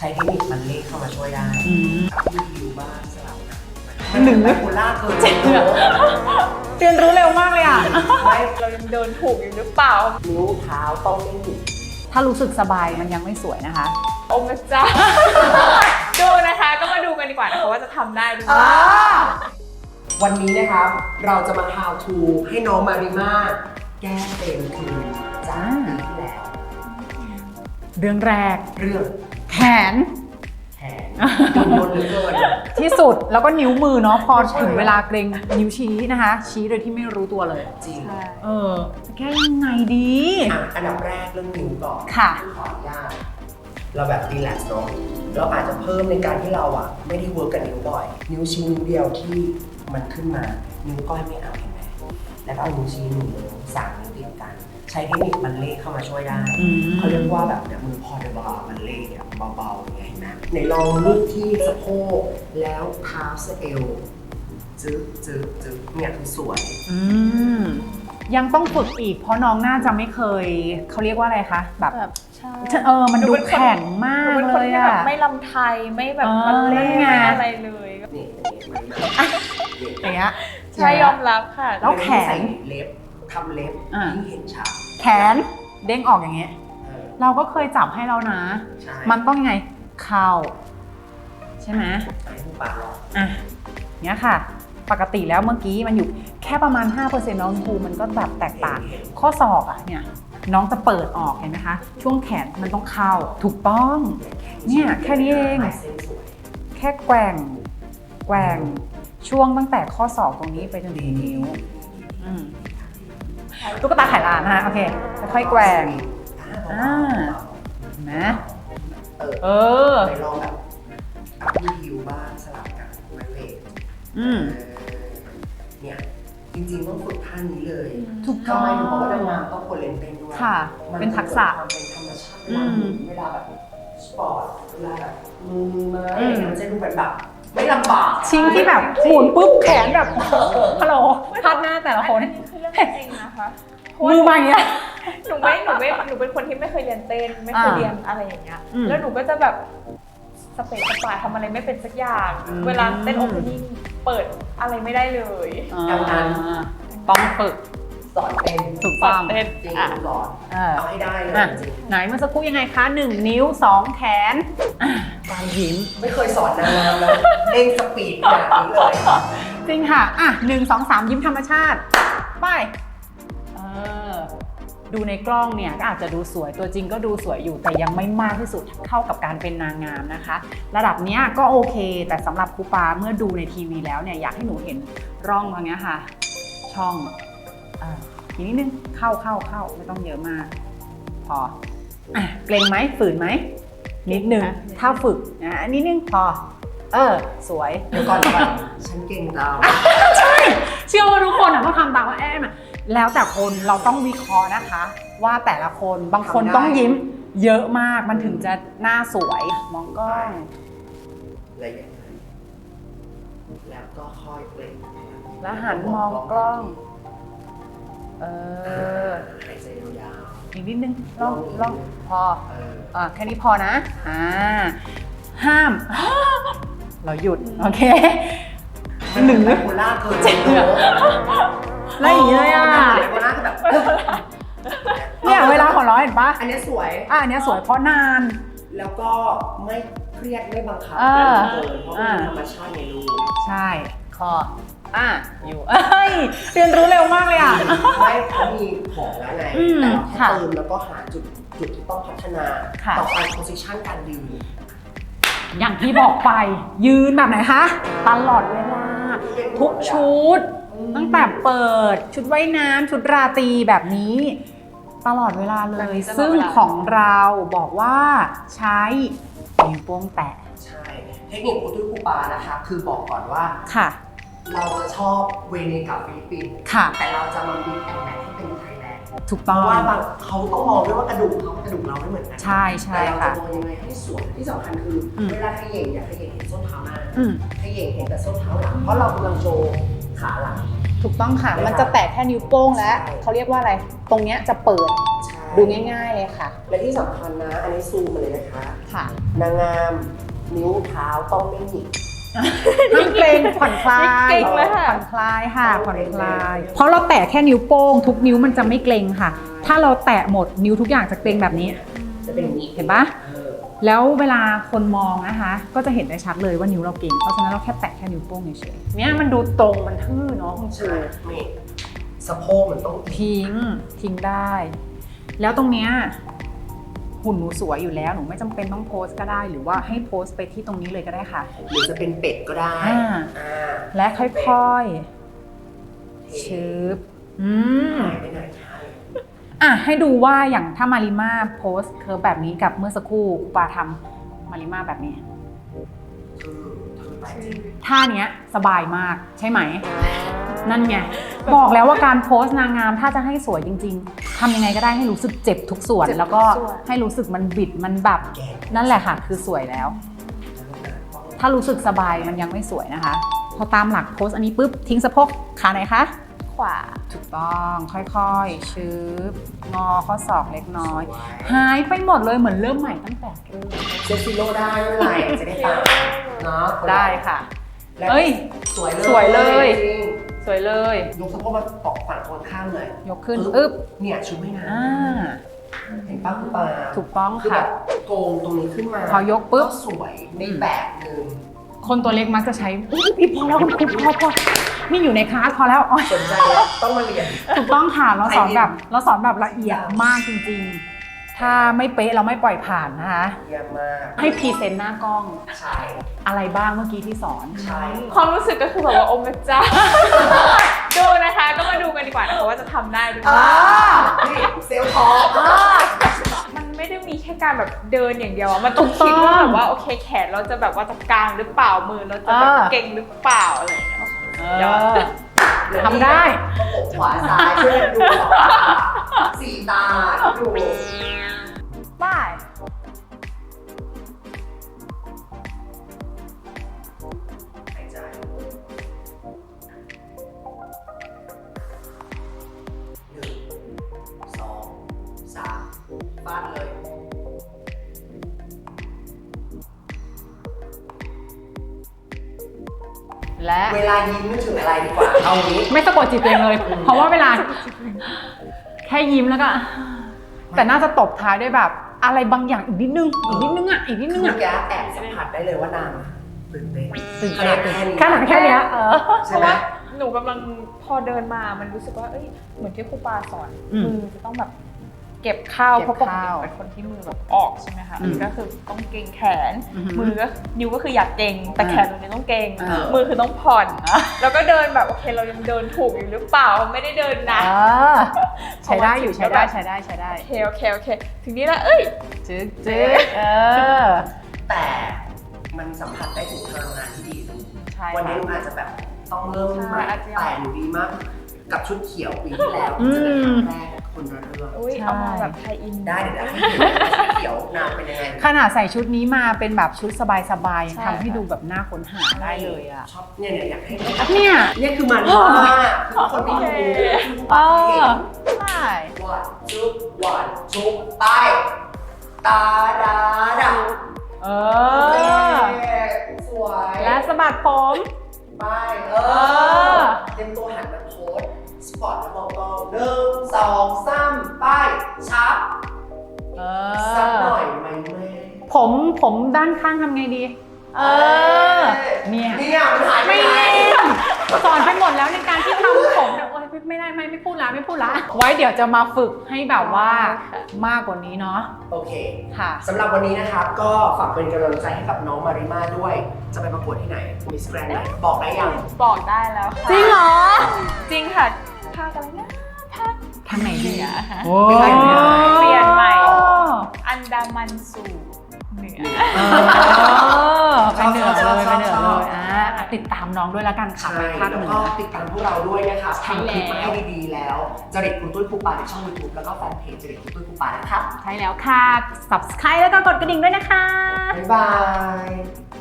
ช้เทคนิคมันเลขเข้ามาช่วยได้กับรีวิวบ้างสลับกันหนึ่งไบโพล่าเกินจริงเรียนรู้เร็วมากเลยอ่ะไม่เรายังเดินถูกอยู่หรือเปล่านิ้วเท้าต้องไม่หยุดถ้ารู้สึกสบายมันยังไม่สวยนะคะโอ้แม่เจ้า ดูนะคะก็มาดูกันดีกว่านะคะว่าจะทำได้หรือเปล่าวันนี้นะครับเราจะมา how to ให้น้องมาริมาแก้เป็นคืนจากปีที่แล้วเรื่องแรกเรื่องแขนแขนกังวลเหลือเกินที่สุดแล้วก็นิ้วมือเนาะพอถึงเวลาเกรงนิ้วชี้นะคะ ชี้โดยที่ไม่รู้ตัวเลยจริงจะแก้ยังไงดีอันดับแรกเรื่องนิ้วก่อนค่ะขออนุญาตเราแบบรีแลกซ์เนาะเราอาจจะเพิ่มในการที่เราอ่ะไม่ได้เวิร์กกับนิ้วบ่อย นิ้วชี้นิ้วเดียวที่มันขึ้นมานิ้วก้อยไม่เอาเห็นไหมแล้วก็เอานิ้วชี้1 นิ้ว3 นิ้วติดกัน ใช้เทคนิคมันเลขเข้ามาช่วยได้เขาเรียกว่าแบบเนี่ยมือพอเดบามันเลขเนี่ยเบาๆอย่างเงี้ยเห็นไหมในลองลูกที่สะโพกแล้วเท้าสะเอวจึ๊กเนี่ยคือสวยยังต้องฝึกอีกเพราะน้องน่าจะไม่เคยเขาเรียกว่าอะไรคะแบบใช่มันดูแข็งมากเป็นเลคนยที่แบอะบไม่ลำไทยไม่แบบมันเล่นไงอะไรเลยนี่มันอย่างเงี้ยใช่ยอมรับค่ะแล้วแขนใส่เล็บทำเล็บยิ่งเห็นชัดแขนเด้งออกอย่างเงี้ย เราก็เคยจับให้แล้วนะใช่มันต้องยังไงเข่าใช่ไหมให้ผู้ปาลองอ่ะเนี้ยค่ะ ปกติแล้วเมื่อกี้มันอยู่แค่ประมาณ 5%น้องภูมันก็แบบแตกต่าง ข้อศอกอ่ะเนี่ยน้องจะเปิดออกเห็นไหมคะ ช่วงแขนมันต้องเข้าถูกต้อง เนี่ยแค่นี้เองลายเส้นสวยแค่แกว่งช่วงตั้งแต่ข้อศอกตรงนี้ไปจนถึงนิ้วตุ๊กตาไขลานนะคะโอเคค่อยๆแกว่งเห็นไหมไปลองแบบอัพรีวิวบ้างสลับกันมันเลทเนี่ยจริงๆต้องฝึกท่านี้เลยถูกต้องทำไมถึงบอกว่าดำน้ำต้องคนเล่นเป็นด้วยค่ะ เป็นทักษะมันเป็นธรรมชาติเวลาแบบสปอร์ตเวลาแบบมือมามันจะดูแบบไม่ลำบากชิงที่แบบหมุนปุ๊บแขนแบบฮัลโหลพัดหน้าแต่ละคนอันนี้คือเรื่องจริงนะคะมือมาอย่างเงี้ยหนูเป็นคนที่ไม่เคยเรียนเต้นไม่เคยเรียนอะไรอย่างเงี้ยแล้วหนูก็จะแบบสเปซสปาทำอะไรไม่เป็นสักอย่างเวลาเต้นโอเพนนิ่งเปิดอะไรไม่ได้เลยดังนั้นต้องฝึกสอนเต้นถูกต้องเต้นจริงสอนเอาให้ได้เลยจริงไหนเมื่อสักครู่ยังไงคะ1 นิ้ว 2 แขนการยิ้มไม่เคยสอนนางงามแล้วเร่งสปีดแบบนี้เลยจริงค่ะ1 2 3 ยิ้มธรรมชาติไปดูในกล้องเนี่ยก็อาจจะดูสวยตัวจริงก็ดูสวยอยู่แต่ยังไม่มากที่สุดเท่ากับการเป็นนางงามนะคะระดับเนี้ยก็โอเคแต่สำหรับครูปาเมื่อดูในทีวีแล้วเนี่ยอยากให้หนูเห็นร่องตรงนี้ค่ะช่องอีกนิดนึงเข้าไม่ต้องเยอะมากพอเกรงไหมฝืนไหมนิดนึงถ้าฝึกนะนิดนึงพอสวยเดี๋ยวก่อนฉันเก่งเราใช่เชื่อว่าทุกคนก็ทำตามว่าแล้วแต่คนเราต้องวิเคราะห์นะคะ ว่าแต่ละคนบางคนต้องยิ้มเยอะมากมันถึงจะหน้าสวยมองกล้องอะไรอย่างนี้แล้วก็ค่อยเปล่งแล้วหันมองกล้องหายใจยาวอีกนิดนึงลองพอแค่นี้พอนะห้าม เราหยุดโอเคๆไบโพล่าเกินจริงแล้วอย่างนี้เลยไบโพล่าคือแบบเนี่ยเวลาของเราเห็นปะอันนี้สวยอันนี้สวยเพราะนานแล้วก็ไม่เครียดไม่บังคับเกินเพราะเป็นธรรมชาติในรูปใช่คออยู่เรียนรู้เร็วมากเลยอ่ะไม่เขามีของแล้วไงแต่เราแค่เติมแล้วก็หาจุดที่ต้องพัฒนาต่อไป position การยืนอย่างที่บอกไปยืนแบบไหนคะตลอดเวลาทุกชุดตั้งแต่เปิดชุดว่ายน้ำชุดราตรีแบบนี้ตลอดเวลาเลยซึ่งของเราบอกว่าใช้นิ้วโป้งแตะใช่เทคนิคครูตุ้ยครูปานะคะคือบอกก่อนว่าค่ะเราจะชอบเวเนกับฟิลิปปินส์ค่ะแต่เราจะมาบีบแอนแมทให้เป็นไทยแลนด์ถูกต้องว่าบางเขาต้องมองด้วยว่ากระดูกเขากระดูกเราไม่เหมือนกันใช่แต่เราค่ะจะมองยังไงให้สวยที่สำคัญคือเวลาขย่งอย่าขย่งเห็นส้นเท้าหน้าขย่งเห็นแต่ส้นเท้าหลังเพราะเรากำลังโชว์ขาหลังถูกต้องค่ะมันจะแตะแค่นิ้วโป้งและเขาเรียกว่าอะไรตรงเนี้ยจะเปิดดูง่ายๆเลยค่ะและที่สำคัญนะอันนี้ซูมมาเลยนะคะค่ะนางงามนิ้วเท้าต้องไม่หงิกห้ามเกรงผ่อนคลายเกร็งเลยค่ะผ่อนคลายค่ะผ่อนคลาย เพราะเราแตะแค่นิ้วโป้งทุกนิ้วมันจะไม่เกรงค่ะ ถ้าเราแตะหมดนิ้วทุกอย่างจะเกรงแบบนี้จะเป็นอย่างนี้เห็นปะ แล้วเวลาคนมองนะคะ ก็จะเห็นได้ชัดเลยว่านิ้วเราเก่ง เพราะฉะนั้นเราแค่แตะแค่นิ้วโป้งเฉยๆเนี่ยมันดูตรงมันทื่อเนาะคุณครูใช่นี่สะโพกมันต้องทิ้งได้ แล้วตรงเนี้ยหุ่นหนูสวยอยู่แล้วหนูไม่จำเป็นต้องโพสก็ได้ หรือว่าให้โพสไปที่ตรงนี้เลยก็ได้ค่ะหรือจะเป็นเป็ดก็ได้อ่า และค่อยๆเชชึบหายไปไหนคะอ่ะให้ดูว่าอย่างถ้ามาริมาโพสเคิร์ฟแบบนี้กับเมื่อสักครู่ปาทำมาริมาแบบนี้คือไปจริงท่าเนี้ยสบายมากใช่ไหม นั่นไง บอกแล้วว่าการโพสต์นางงามถ้าจะให้สวยจริงๆทำยังไงก็ได้ให้รู้สึกเจ็บทุกส่วน แล้วก็ให้รู้สึกมันบิดมันแบบแก่นั่นแหละค่ะ คือสวยแล้ว ถ้ารู้สึกสบายมันยังไม่สวยนะคะ พอตามหลักโพสต์อันนี้ปุ๊บทิ้งสะโพกขาไหนคะขวาถูกต้องค่อยๆชืบงอข้อศอกเล็กน้อย หายไปหมดเลยเหมือนเริ่มใหม่ตั้งแต่เริ่มเซตซิโร่ได้ไม่เป็นไรจะได้ตามเนาะได้ค่ะและเอ้ยสวยเลยสวยเลยจริงสวยเลยยกสะโพกมาตอกฝั่งคนข้างเลยยกขึ้นอึ๊บเนี่ยชุดไม่นานอ่าเห็นป้าคุณปาถูกต้องคือแบค่ะบโกงตรงนี้ขึ้นมาพอยกปุ๊บสวยในแบบหนึ่งคนตัวเล็กมักจะใช้อุ๊ยพี่พอแล้วคุณครูพอนี่อยู่ในคลาสพอแล้วอ๋อสนใจแล้วต้องมาเรียนถูกต้องค่ะเราสอนแบบละเอียดมากจริงๆ ถ้าไม่เป๊ะเราไม่ปล่อยผ่านนะคะเยี่ยมมากให้พรีเซนต์หน้ากล้องใช่อะไรบ้างเมื่อกี้ที่สอนใช่ความรู้สึกก็คือแบบว่าโอ้แม่เจ้า ดูนะคะก็มาดูกันดีกว่านะคะว่าจะทำได้หรือเปล่านี่เซลล์ทองมันไม่ได้มีแค่การแบบเดินอย่างเดียวอะมันต้องคิดว่าแบบว่าโอเคแขนเราจะแบบว่าจะกางหรือเปล่ามือเราจะแบบเก่งหรือเปล่าอะไรอย่างเงี้ย ยอดทำได้ประกบขวาซ้ายช่วยกันดูสีตาดูบ้ายหายใจ1 2 3ฟาดเลยและเวลายิ้มนึกถึงอะไรดีกว่า เอางี้ไม่สะกดจิตตัวเองเลย เพราะว่าเวลาแค่ยิ้มแล้วก็ แต่น่าจะตบท้ายด้วยแบบ อะไรบางอย่างอีกนิดนึงอ่ะอีกนิดนึงคืออ่ะเมื่อกี้แอบสัมผัสได้เลยว่านางตื่นเต้นตื่นขเต้นาดนแค่นี้ขนาดแค่เนี้ยใช่ไหมหนูกำลังพอเดินมามันรู้สึกว่าเอ้ยเหมือนที่ครูปาสอนอืมมือจะต้องแบบเก็บข้าวเก็บเพราะปกติข้าวเป็นคนที่มือแบบออกใช่ไหมคะอืมก็คือต้องเกรงแขนอือหือมือก็นิ้วก็คืออยากเกรงแต่อ่าแขนตรงนี้ต้องเกรงอ่ามือคือต้องผ่อน แล้วก็เดินแบบโอเคเรายังเดินถูกอยู่หรือเปล่าไม่ได้เดินนะใช้ได้อยู่ใช้ได้ใช้ได้ใช้ได้โอเคโอเคโอเคถึงนี้แล้วเอ้ยจึ๊กอแต่มันสัมผัสได้ถึงพลังงานที่ดีใช่วันนี้อาจจะแบบต้องเริ่มใหม่ใช่อาจจะยังแต่หนูดีมาก กับชุดเขียวปีที่แล้วจะเป็นครั้งแรกคนละเรื่องอุ้ยเอามาแบบไทยอินได้เดี๋ยวให้ดูว่าชุดเขียวนางเป็นยังไงขนาดใส่ชุดนี้มาเป็นแบบชุดสบายๆยังใช่ทำให้ดูแบบน่าค้นหาได้เลยอ่ะชอบเนี่ยอยากให้เนี่ยเนี่ยคือมันมากคือคนไม่รู้คือปากเห็นใช่วันชุบวันชุบไปตาดาดาเอเออสวยและสะบัดผมไปอเตรียมตัวหันมาโพสสปอร์ตแล้วเบาๆ1 2 3ไปชับเอสักหอน่อยไหมแม่ผมด้านข้างทำไงดี เนี่ยเนี่ยมันหายไปไม่ไหนสอนไปหมดแล้วในการที่ทำผมแต่โอ๊ยไม่ได้ไม่พูดละไม่พูดละ ไว้เดี๋ยวจะมาฝึกให้แบบว่ามากกว่านี้เนาะโอเคค่ะสำหรับวันนี้นะครับ ก็ฝากเป็นกำลังใจให้กับน้องมาริมาด้วย จะไปประกวดที่ไหนมิสแกรนด์ไหนบอกได้ยังบอกได้แล้วค่ะจริงเหรอจริงค่ะภาคอะไรนะภาคทางไหนดีเหนือโอ้ไม่ใช่เหนือเปลี่ยนใหม่ อันดามันสู่เหนือไปเหนือเลยไปเหนือเลยติดตามน้องด้วยแล้วกันค่ะใช่ไปภาคแล้วเหนืก็อติดตามพวกเราด้วยนะคะใช่ทำคลิปมาแล้วให้ดีๆแล้วจริตคุณตุ้ยครูปาในช่อง YouTube แล้วก็แฟนเพจจริตคุณตุ้ยครูปานะครับใช่แล้วค่ะ subscribe แล้วก็กดกระดิ่งด้วยนะคะบ๊ายบาย